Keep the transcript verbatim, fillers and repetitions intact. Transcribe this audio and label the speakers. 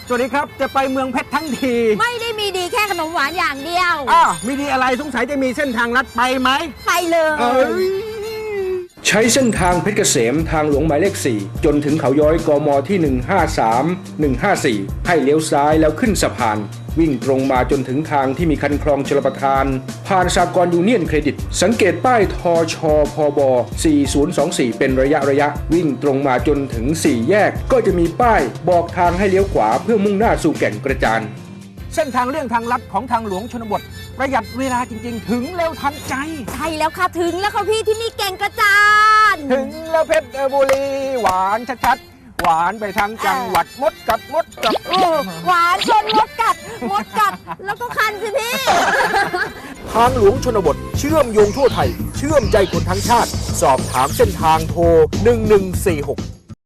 Speaker 1: สวัสดีครับจะไปเมืองเพชรทั้งที
Speaker 2: ไม่ได้มีดีแค่ขนมหวานอย่างเดียว
Speaker 1: อ้าวมีดีอะไรสงสัยจะมีเส้นทางลัดไปไหม
Speaker 2: ไปเลย
Speaker 1: เอ้ย
Speaker 3: ใช้เส้นทางเพชรเกษมทางหลวงหมายเลขสี่จนถึงเขาย้อยกมที่หนึ่งห้าสาม หนึ่งห้าสี่ให้เลี้ยวซ้ายแล้วขึ้นสะพานวิ่งตรงมาจนถึงทางที่มีคันคลองชลประทานผ่านสหกรณ์ยูเนียนเครดิตสังเกตป้ายทชพบสี่ศูนย์สองสี่เป็นระยะระยะวิ่งตรงมาจนถึงสี่แยกก็จะมีป้ายบอกทางให้เลี้ยวขวาเพื่อมุ่งหน้าสู่แก่งกระจาน
Speaker 1: เส้นทางเลี่ยงทางลัดของทางหลวงชนบทประหยัดเวลาจริงๆถึงเร็วทันใจ
Speaker 2: ใช่แล้วค่ะถึงแล้วค่ะพี่ที่นี่แก่งกระจาน
Speaker 1: ถึงแล้วเพชรบุรีหวานชัดๆหวานไปทางจังหวัดมดกัดมดกัด
Speaker 2: โอ้หวานจนมดกัดมดกัดแล้วก็คันสิพี่
Speaker 1: ทางหลวงชนบทเชื่อมโยงทั่วไทยเชื่อมใจคนทั้งชาติสอบถามเส้นทางโทรหนึ่งหนึ่งสี่หก